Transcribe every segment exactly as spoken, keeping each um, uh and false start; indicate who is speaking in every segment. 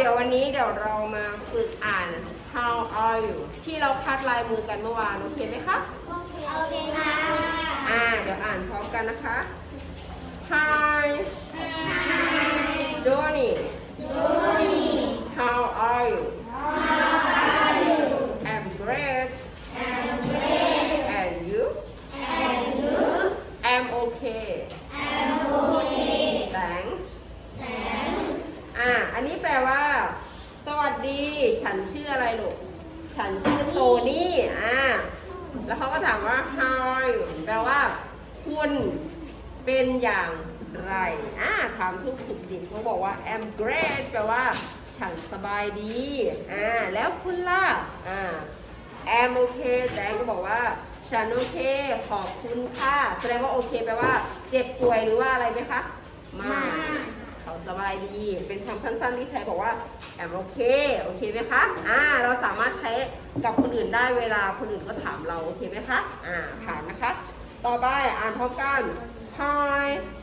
Speaker 1: ดี๋ยววันนี้เดี๋ยวเรามาฝึกอ่าน how are you ที่เราคัดลายมือกันเมื่อวานโอเคไหมคะ
Speaker 2: โอเคโอเคค่ะ
Speaker 1: อ่าเดี๋ยวอ่านพร้อมกันนะคะ Hi Johnny
Speaker 2: Johnny
Speaker 1: How are you
Speaker 2: How are you
Speaker 1: I'm great
Speaker 2: I'm great
Speaker 1: And you
Speaker 2: And you
Speaker 1: I'm okay
Speaker 2: I'm okay
Speaker 1: Thanks
Speaker 2: Thanks
Speaker 1: อ่าอันนี้แปลว่าสวัสดีฉันชื่ออะไรลูกฉันชื่อโทนี่อ่าแล้วเขาก็ถามว่า how are you แปลว่าคุณเป็นอย่างไรอ่าถามทุกสุขดิบเขาบอกว่า I'm great แปลว่าฉันสบายดีอ่าแล้วคุณล่ะอ่า I'm okay แจงก็บอกว่าฉันโอเคขอบคุณค่ะแสดงว่าโอเคแปลว่าเจ็บป่วยหรือว่าอะไรไหมคะไม่เขาสบายดีเป็นคำสั้นๆที่ใช้บอกว่าแอมโอเคโอเคไหมคะอ่าเราสามารถใช้กับคนอื่นได้เวลาคนอื่นก็ถามเราโอเคไหมคะอ่าผ่านนะคะต่อไปอ่านพร้อมกัน Hi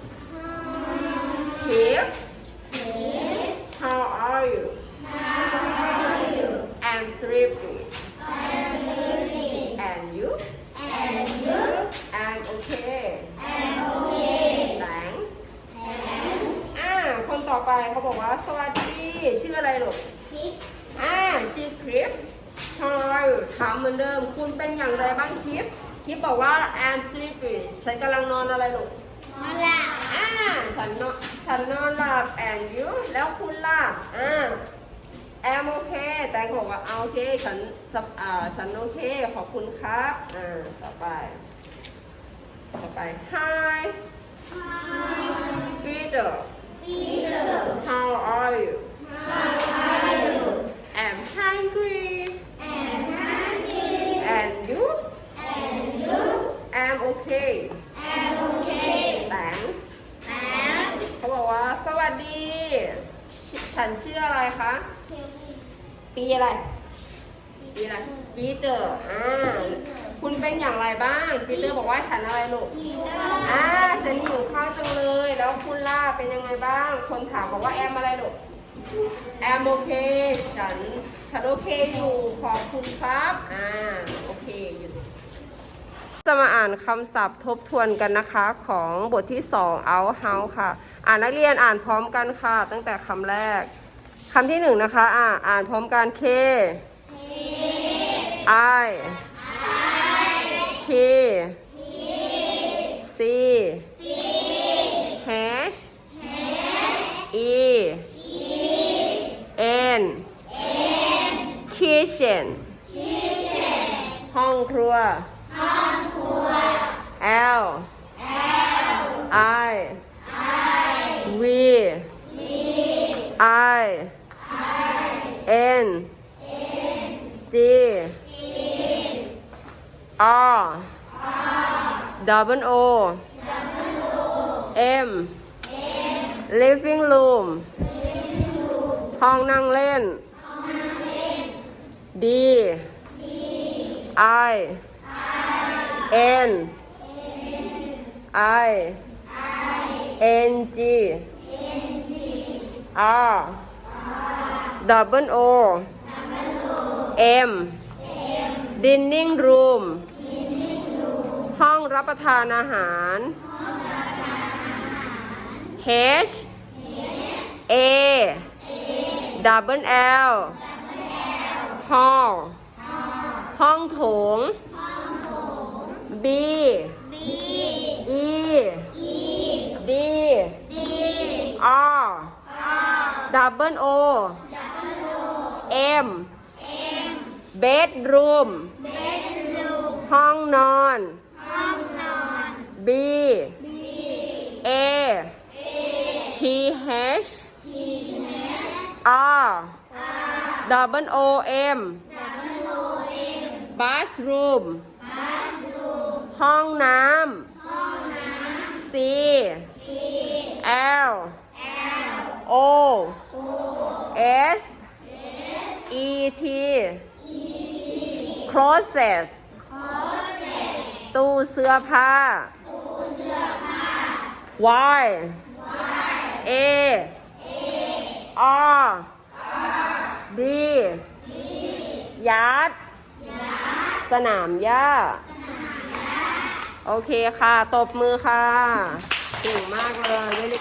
Speaker 1: Kip How are you I'm sleepy And you
Speaker 2: And you
Speaker 1: I'm okay
Speaker 2: I'm okay
Speaker 1: Thanks อ่าคนต่อไปเขาบอกว่าสวัสดีชื่ออะไรลูก
Speaker 2: คิด
Speaker 1: อ่าชื่อคลิป How are you ถามเหมือนเดิมคุณเป็นอย่างไรบ้างคลิปคลิปบอกว่า I'm sleepy ฉันกำลังนอนอะไรลูก
Speaker 2: นอนหลับ
Speaker 1: อ่าฉันนอนฉันนอนหลับ and you แล้วคุณล่ะอ่า I'm okay แต่ก็บอกว่าโอเคฉันอ่าฉันโอเคขอบคุณครับอ่าต่อไปต่อไป Hi Peter
Speaker 2: Peter
Speaker 1: How are you
Speaker 2: How are you
Speaker 1: I'm hungry
Speaker 2: I'm hungry
Speaker 1: and you
Speaker 2: And you
Speaker 1: I'm okay
Speaker 2: I'm okay
Speaker 1: Thanks
Speaker 2: Thanks
Speaker 1: เขาบอกว่าสวัสดี ฉันชื่ออะไรคะปีอะไรปีอะไรปีเตอร์อ่าคุณเป็นอย่างไรบ้างปีเตอร์บอกว่าฉันอะไรลูกอ่าฉันหิวข้าวจังเลยแล้วคุณล่าเป็นยังไงบ้างคนถามบอกว่าแอมอะไรลูกแอมโอเคฉันฉันโอเคอยู่ขอบคุณครับอ่าโอเคอยู่จะมาอ่านคำศัพท์ทบทวนกันนะคะของบทที่สอง out house ค่ะอ่านนักเรียนอ่านพร้อมกันค่ะตั้งแต่คำแรกคำที่หนึ่งนะคะอ่าอ่านพร้อมกัน K I T C H E N kitchen ห้องครัว L I V I N G R double O M living room ห้องนั่งเล่น D I N I N G R double O M dining room ห้องรับประทานอาหาร H A double L hall ห้องโถง B E D R double O M bedroom ห้องนอน B A T H R double O M bathroom ห้องน้ำ C L O S E T closet ตู้เสื้อผ้า Y A R ยัด สนามหญ้า โอเคค่ะ ตบมือค่ะเก่งมากเลย